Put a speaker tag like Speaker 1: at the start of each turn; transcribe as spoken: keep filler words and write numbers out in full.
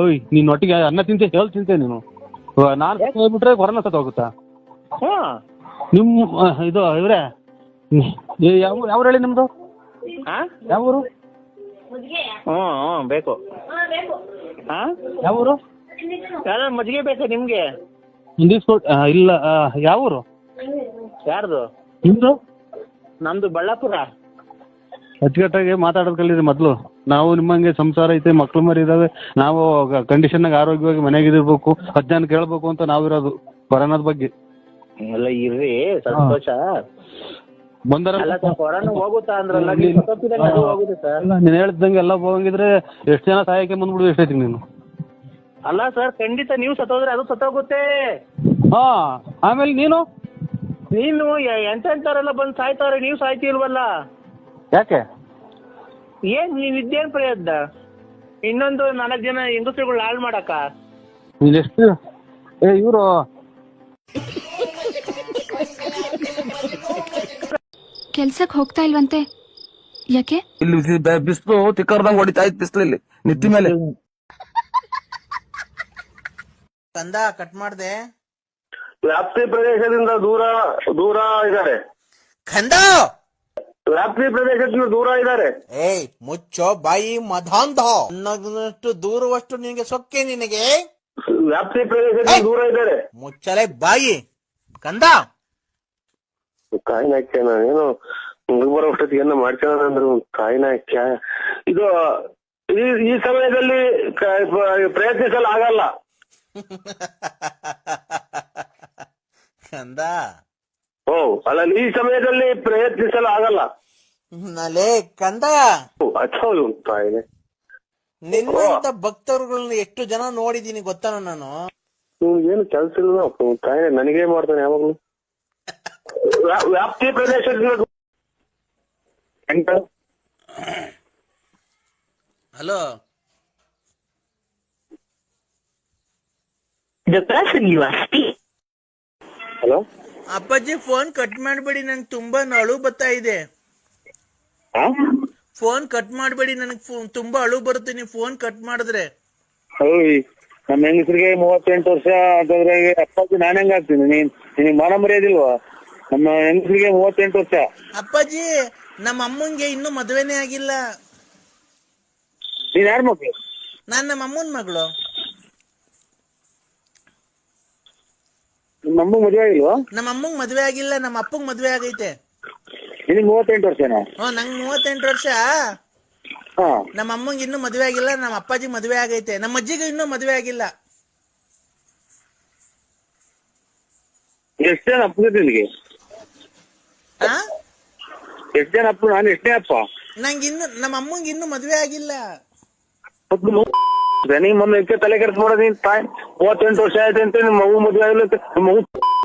Speaker 1: ಓಯ್ ನೀನ್ ಒಟ್ಟಿಗೆ ಅನ್ನ ತಿಂತೆ ಹೇಳಿ ತಿಂತೆ ನೀನು. ನಾನು ಹೋಗ್ಬಿಟ್ರೆ ಕೊರೋನಾ ಸತ್ತ ಹೋಗುತ್ತಾ? ನಿಮ್ಮ ಇದು ಇವ್ರೆ ಯಾವ ಯಾವ ಹೇಳಿ ನಿಮ್ದು ಯಾವ ಊರು?
Speaker 2: ಹ್ಞೂ ಹ್ಞೂ ಬೇಕು. ಹಾಂ
Speaker 1: ಯಾವ ಊರು?
Speaker 2: ಯಾರು ಮಜ್ಜಿಗೆ ಬೇಕಾ ನಿಮಗೆ?
Speaker 1: ಇಂಗ್ಲೀಷ್ ಇಲ್ಲ. ಯಾವ ಊರು
Speaker 2: ಯಾರ್ದು?
Speaker 1: ನಿಮ್ದು?
Speaker 2: ನಮ್ದು ಬಳ್ಳಾಪುರ.
Speaker 1: ಅಚ್ಚುಕಟ್ಟಾಗಿ ಮಾತಾಡೋದು ಕಲೀರಿ ಮೊದಲು. ನಾವು ನಿಮ್ಮಂಗೆ ಸಂಸಾರ ಐತೆ, ಮಕ್ಳು ಮರಿ ಇದಾವೆ, ನಾವು ಕಂಡೀಷನ್ನಾಗ ಆರೋಗ್ಯವಾಗಿ ಮನೆಗೆ ಇರಬೇಕು, ಅಜ್ಞಾನ ಕೇಳಬೇಕು ಅಂತ ನಾವಿರೋದು ಕೊರೋನಾದ ಬಗ್ಗೆ.
Speaker 2: ಎಲ್ಲ ಇರ್ರಿ ಸಂತೋಷ
Speaker 1: ಬಂದರ
Speaker 2: ಕೊರೋನಾ ಹೋಗುತ್ತಾ ಅಂದ್ರಲ್ಲ, ಹೋಗುತ್ತೆ ಸರ್.
Speaker 1: ನೀನು ಹೇಳ್ದಂಗೆ ಎಲ್ಲ ಹೋಗಂಗಿದ್ರೆ ಎಷ್ಟು ಜನ ಸಹಾಯಕ್ಕೆ ಬಂದ್ಬಿಡು ಎಷ್ಟೈತಿ ನೀನು.
Speaker 2: ಅಲ್ಲ ಸರ್, ಖಂಡಿತ ನೀವು ಸತ್ತೋದ್ರೆ ಅದು ಸತ್ತೋಗುತ್ತೆ.
Speaker 1: ಹಾ ಆಮೇಲೆ ನೀನು
Speaker 2: ನೀನು ಎಂತೆಂಥವ್ರೆಲ್ಲ ಬಂದು ಸಾಯ್ತಾವ್ರೆ, ನೀವು ಸಾಯ್ತಿಲ್ವಲ್ಲ
Speaker 1: ಯಾಕೆ?
Speaker 2: ಏನ್ ನೀವ್ ಇದ್ದೇನ್ ಪ್ರಯತ್ನ? ಇನ್ನೊಂದು ನಾಲ್ಕು ಜನ ಹೆಂಗಸರುಗಳು ಹಾಳು ಮಾಡಕ?
Speaker 1: ನೀನೆಷ್ಟು ಏ ಇವರು
Speaker 3: ಕೆಲ್ಸಕ್ಕೆ ಹೋಗ್ತಾ ಇಲ್ವಂತೆ, ಯಾಕೆ?
Speaker 4: ಇಲ್ಲಿ ಬಿಸಿಲು ತಿಕ್ಕರ್ದಂಗ್ ಹೊಡಿತಾ ಇತ್ತು, ಬಿಸಿಲು ಇಲ್ಲಿ ನಿತ್ತಿ ಮೇಲೆ.
Speaker 5: ಕಂದ ಕಟ್ ಮಾಡ್ದೆ.
Speaker 6: ವ್ಯಾಪ್ತಿ ಪ್ರದೇಶದಿಂದ ದೂರ ದೂರ ಇದ್ದಾರೆ.
Speaker 5: ಕಂದ
Speaker 6: ವ್ಯಾಪ್ತಿ ಪ್ರದೇಶದಿಂದ ದೂರ ಇದ್ದಾರೆ.
Speaker 5: ಏಯ್ ಮುಚ್ಚೋ ಬಾಯಿ ಮಧಾಂಧ. ನನ್ನಷ್ಟು ದೂರವಷ್ಟು ನಿನಗೆ ಸೊಕ್ಕೆ ನಿನಗೆ.
Speaker 6: ವ್ಯಾಪ್ತಿ ಪ್ರದೇಶದಿಂದ ದೂರ ಇದ್ದಾರೆ.
Speaker 5: ಮುಚ್ಚಲೆ ಬಾಯಿ ಕಂದ.
Speaker 6: ಕಾಯಿನ ಹಾಕ್ಯ ನಾನೇನು ಬರೋ ಅಷ್ಟೊತ್ತಿಗೆ ಏನೋ ಮಾಡ್ಕೊಳ್ಳೋಣ ಅಂದ್ರೆ ಕಾಯಿನ ಹಾಕ್ಯ. ಇದು ಈ ಈ ಸಮಯದಲ್ಲಿ ಪ್ರಯತ್ನಿಸಲು ಆಗಲ್ಲ
Speaker 5: ಕಂದ.
Speaker 6: ಓ ಅಲ್ಲ, ಈ ಸಮಯದಲ್ಲಿ ಪ್ರಯತ್ನಿಸಲು ಆಗಲ್ಲ
Speaker 5: ನಲೇ ಕಂದ.
Speaker 6: ಅಚ್ಚೌದು ಕಾಯಿಲೆ.
Speaker 5: ನಿನ್ನಂತ ಭಕ್ತರುಗಳನ್ನ ಎಷ್ಟು ಜನ ನೋಡಿದೀನಿ ಗೊತ್ತಾನ ನಾನು.
Speaker 6: ಏನು ಕೆಲಸ ಇಲ್ಲ ಕಾಯಿಲೆ, ನನಗೇ ಮಾಡ್ತಾನೆ ಯಾವಾಗ್ಲೂ. ವ್ಯಾಪ್ತಿ ಪ್ರದೇಶದಿಂದ.
Speaker 5: ಹಲೋ,
Speaker 6: ಹಲೋ
Speaker 5: ಅಪ್ಪಾಜಿ ಫೋನ್ ಕಟ್ ಮಾಡ್ಬೇಡಿ, ನಂಗೆ ತುಂಬಾ ಅಳು ಬರ್ತಾ ಇದೆ. ಫೋನ್ ಕಟ್ ಮಾಡ್ಬೇಡಿ, ನನಗೆ ತುಂಬಾ ಅಳು ಬರುತ್ತೆ ನೀವು ಫೋನ್ ಕಟ್ ಮಾಡಿದ್ರೆ.
Speaker 6: ನಮ್ಮ ಹೆಂಗಸರಿಗೆ ಮೂವತ್ತೆಂಟು ವರ್ಷ ಅಂತಂದ್ರೆ ಅಪ್ಪಾಜಿ ನಾನು ಹೆಂಗ ಆಗ್ತೀನಿ? ನೀನ್ ನಿನಗೆ ಮಾನ ಮರ್ಯಾದಿಲ್ವಾ? ನಮ್ಮ ಹೆಂಗಸರಿಗೆ ಮೂವತ್ತೆಂಟು ವರ್ಷ.
Speaker 5: ಅಪ್ಪಾಜಿ ನಮ್ಮ ಅಮ್ಮಂಗೆ ಇನ್ನೂ ಮದುವೆನೇ ಆಗಿಲ್ಲ.
Speaker 6: ನೀನ್ ಯಾರ ಮಕ್ಳು?
Speaker 5: ನಾನ್ ನಮ್ಮ ಅಮ್ಮನ ಮಗಳು.
Speaker 6: ನಿಮ್ಮ ಅಮ್ಮ ಮದುವೆ ಆಗಿಲ್ವಾ?
Speaker 5: ನಮ್ಮ ಅಮ್ಮಂಗ್ ಮದ್ವೆ ಆಗಿಲ್ಲ, ನಮ್ಮ ಅಪ್ಪಂಗ್ ಮದ್ವೆ ಆಗೈತೆ.
Speaker 6: ನಿನಗೆ ಮೂವತ್ತೆಂಟು ವರ್ಷನಾ?
Speaker 5: ಹ್ಮ್, ನಂಗ್ ಮೂವತ್ತೆಂಟು ವರ್ಷ.
Speaker 6: ಹಾ,
Speaker 5: ನಮ್ಮ ಅಮ್ಮಂಗ್ ಇನ್ನೂ ಮದ್ವೆ ಆಗಿಲ್ಲ, ನಮ್ಮ ಅಪ್ಪಾಜಿ ಮದ್ವೆ ಆಗೈತೆ. ನಮ್ಮ ಅಜ್ಜಿಗೆ ಇನ್ನೂ ಮದ್ವೆ ಆಗಿಲ್ಲ.
Speaker 6: ಎಷ್ಟು ಜನ ಅಪ್ಪ ನಿನಗೆ?
Speaker 5: ಆ
Speaker 6: ಎಷ್ಟು ಜನ ಅಪ್ಪ? ನಾನು ಎಷ್ಟೇ ಅಪ್ಪ?
Speaker 5: ನಂಗೆ ಇನ್ನು ನಮ್ಮ ಅಮ್ಮಂಗ್ ಇನ್ನೂ ಮದ್ವೆ ಆಗಿಲ್ಲ.
Speaker 6: ನೀ ಮೊನ್ನೆ ತಲೆ ಕೆಡ್ಸ್ಬಿಡೋದು. ನೀನ್ ತಾಯಿ ಮೂವತ್ತೆಂಟು ವರ್ಷ ಆಯ್ತು ಅಂತ ನಿಮ್ಮ ಮಗು ಮದುವೆ ಆಗಿಲ್ಲ ಅಂತ. ನಿಮ್ಮ ಮಗು